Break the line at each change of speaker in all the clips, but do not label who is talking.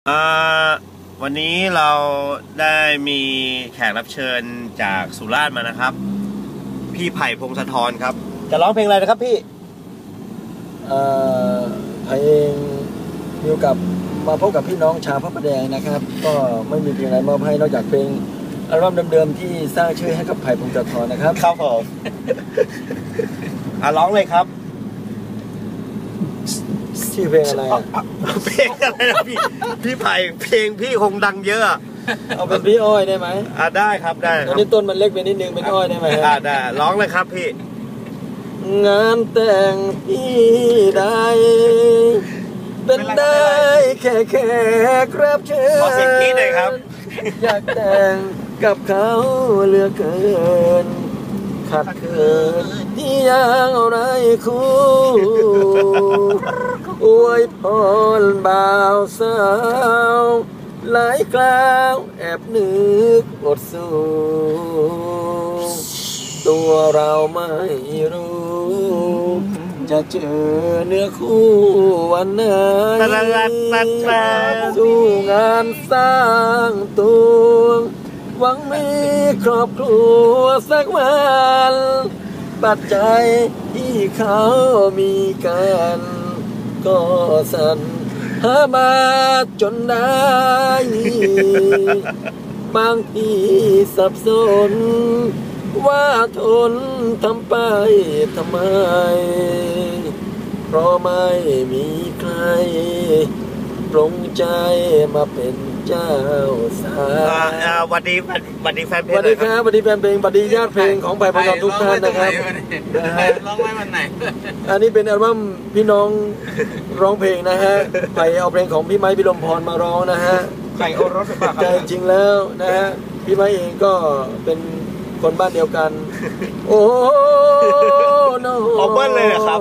วันนี้เราได้มีแขกรับเชิญจากสุราษฎร์มานะครับพี่ไผ่พงศธรครับจะร้องเพลงอะไรนะครับพี่
เพลงมีโอกาสมาพบกับพี่น้องชาวพระประแดงนะครับก็ไม่มีเพลงอะไรมอบให้นอกจากเพลงอัลบั้มเดิมๆที่สร้างชื่อให้กับไผ่พงศธรนะครับ
ครับผมร้องเลยครับ
ชื่อเพลงอะไร
เพลงอะไรนะพี่ไผ่เพลงพี่คงดังเยอะ
เอาเป็นพี่อ้อยได้ไหม
ได้ครับได้
ตอนนี้ต้นมันเล็กไปนิดนึงเป็นอ้อยได้ไหม
ได้ร้องเลยครับพี่
งานแต่งพี่ได้เป็นได้แค่ครับเชิญ
ขอเสียงพี่หน่อยครับ
อยากแต่งกับเขาเหลือเกินขัดเขินที่ยังอะไรคู่อวยพรบ่าวสาวหลายคราวแอบนึกอดสู้ตัวเราไม่รู้จะเจอเนื้อคู่วันไหนสู้งานสร้างตัวหวังมีครอบครัวสักวันปัจจัยที่เขามีกันก็สั่นหามาจนได้บางทีสับสนว่าทนทำไปทำไมเพราะไม่มีใครปลงใจมาเป็นเจ้าสาว
วันดีแฟนเพลง
วันดีครับวันดีแฟนเพลงวันดีญาติเพลงของไผ่พงศธรทุกท่านนะครับ
ร้องไว้วันไหน
อันนี้เป็นอัลบั้มพี่น้องร้องเพลงนะฮะไผ่เอาเพลงของพี่ไม้พิรมพรมาร้องนะฮะ
ไผ่โอรสป่ะ
ใจจริงแล้วนะฮะพี่ไม้เองก็เป็นคนบ้านเดียวกันโอ้โน
เบิ้ลเลยนะครับ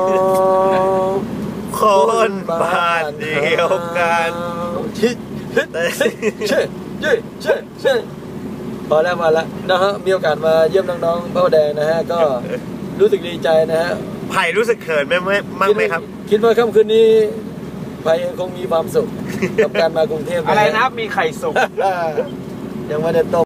คนบ้านเดียวกัน
เช่พอแล้วนะฮะมีโอกาสมาเยี่ยมน้องๆพระประแดงนะฮะก็รู้สึกดีใจนะฮะ
ไผ่รู้สึกเขินไหมครับ
คิดว่าค่ำคืนนี้ไผ่คงมีความสุขกับการมากรุงเทพ
อะไรนะมีไข่สุก
ยังไม่ได้ต้ม